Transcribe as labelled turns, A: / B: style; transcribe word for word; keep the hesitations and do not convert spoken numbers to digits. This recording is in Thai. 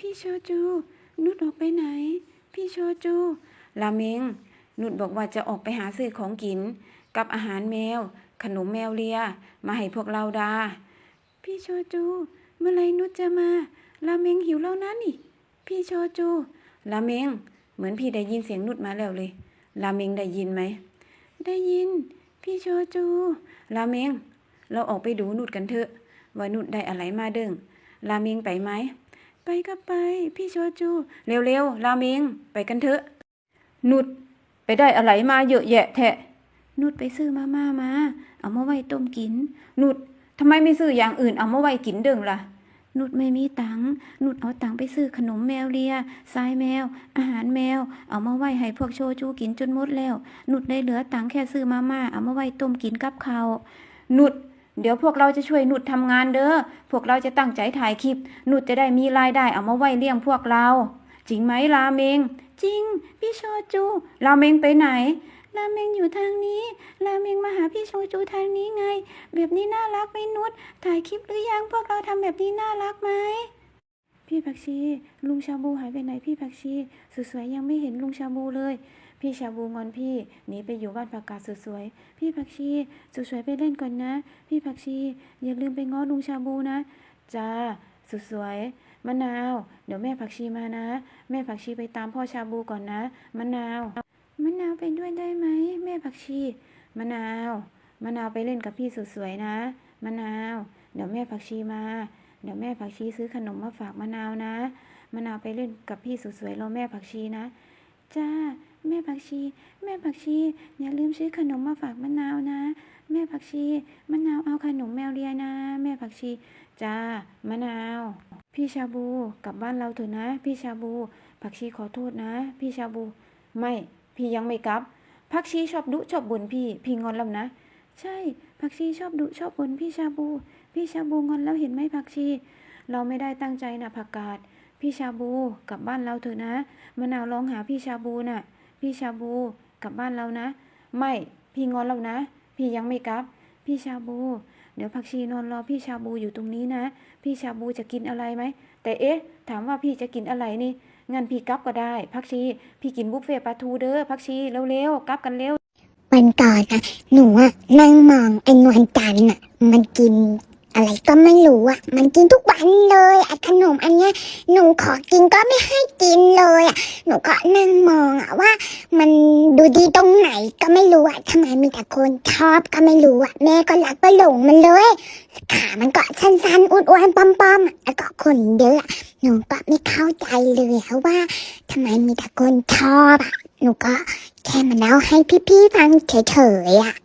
A: พี่โชจูนุชออกไปไหนพี่โชจูราเมงนุชบอกว่าจะออกไปหาซื้อของกินกับอาหารแมวขนมแมวเลียมาให้พวกเราดาพี่โชจูเมื่อไรนุชจะมาราเมงหิวแล้วนะนี่พี่โชจูราเมงเหมือนพี่ได้ยินเสียงนุชมาแล้วเลยราเมงได้ยินไหมได้ยินพี่โชจูราเมงเราออกไปดูนุชกันเถอะว่านุชได้อะไรมาเด้งราเมงไปไหมไปก็ไปพี่โชจูเร็วๆราเมงไปกันเถอะนุชไปได้อะไรมาเยอะแยะแทะนุชไปซื้อมาม่ามาเอามาไว้ต้มกินนุชทำไมไม่ซื้ออย่างอื่นเอามาไว้กินเด้งล่ะนุชไม่มีตังค์นุชเอาตังค์ไปซื้อขนมแมวเลียทรายแมวอาหารแมวเอามาไว้ให้พวกโชจูกินจนหมดแล้วนุชได้เหลือตังค์แค่ซื้อมาม่าเอามาไว้ต้มกินกับข้าวนุชเดี๋ยวพวกเราจะช่วยนุชทำงานเด้อพวกเราจะตั้งใจถ่ายคลิปนุชจะได้มีรายได้เอามาไว้เลี้ยงพวกเราจริงไหมราเมงจริงพี่โชจูราเมงไปไหนราเมงอยู่ทางนี้ราเมงมาหาพี่โชจูทางนี้ไงแบบนี้น่ารักไหมนุชถ่ายคลิปหรือยังพวกเราทำแบบนี้น่ารักไหมพี่ผักชีลุงชาบูหายไปไหนพี่ผักชีสวยๆยังไม่เห็นลุงชาบูเลยพี่ชาบูงอนพี่หนีไปอยู่บ้านผักกาดสวยๆพี่ผักชีสวยๆไปเล่นก่อนนะพี่ผักชีอย่าลืมไปง้อลุงชาบูนะจ้าสวยๆมะนาวเดี๋ยวแม่ผักชีมานะแม่ผักชีไปตามพ่อชาบูก่อนนะมะนาวมะนาวไปด้วยได้ไหมแม่ผักชีมะนาวมะนาวไปเล่นกับพี่สวยๆนะมะนาวเดี๋ยวแม่ผักชีมาเดี๋ยวแม่ผักชีซื้อขนมมาฝากมะนาวนะมะนาวไปเล่นกับพี่สวยๆรอแม่ผักชีนะจ้าแม่ผักชีแม่ผักชีอย่าลืมซื้อขนมมาฝากมะนาวนะแม่ผักชีมะนาวเอาขนมแมวเลียนะแม่ผักชีจ้ามะนาวพี่ชาบูกลับบ้านเราเถอะนะพี่ชาบูผักชีขอโทษนะพี่ชาบูไม่พี่ยังไม่กลับผักชีชอบดุชอบบ่นพี่พี่งอนแล้วนะใช่ผักชีชอบดุชอบบ่นพี่ชาบูพี่ชาบูงอนแล้วเห็นไหมผักชีเราไม่ได้ตั้งใจนะผักกาดพี่ชาบูกลับบ้านเราเถอะนะมะนาวร้องหาพี่ชาบูน่ะพี่ชาบูกลับบ้านเรานะไม่พี่งอนแล้วนะพี่ยังไม่กลับพี่ชาบูเดี๋ยวผักชีนอนรอพี่ชาบูอยู่ตรงนี้นะพี่ชาบูจะกินอะไรไหมแต่เอ๊ะถามว่าพี่จะกินอะไรนี่งั้นพี่กลับก็ได้ผักชีพี่กินบุฟเฟ่ปลาทูเด้อผักชีเร็วๆกลับกันเร็ว
B: วันก่อนนะหนูอะนั่งมองไอ้นวลจันทร์อะมันกินอะไรก็ไม่รู้อะมันกินทุกวันเลยไอ้ขนมอันเนี้ยหนูขอกินก็ไม่ให้กินเลยอะหนูก็นั่งมองอะว่ามันดูดีตรงไหนก็ไม่รู้อะทำไมมีแต่คนชอบก็ไม่รู้อะแม่ก็รักก็หลงมันเลยขามันก็สั้นๆอ้วนๆป้อมๆแล้วก็คนเยอะหนูก็ไม่เข้าใจเลยว่าทำไมมีแต่คนชอบอะหนูก็แค่มาเล่าให้พี่ๆฟังเฉยๆอ่ะ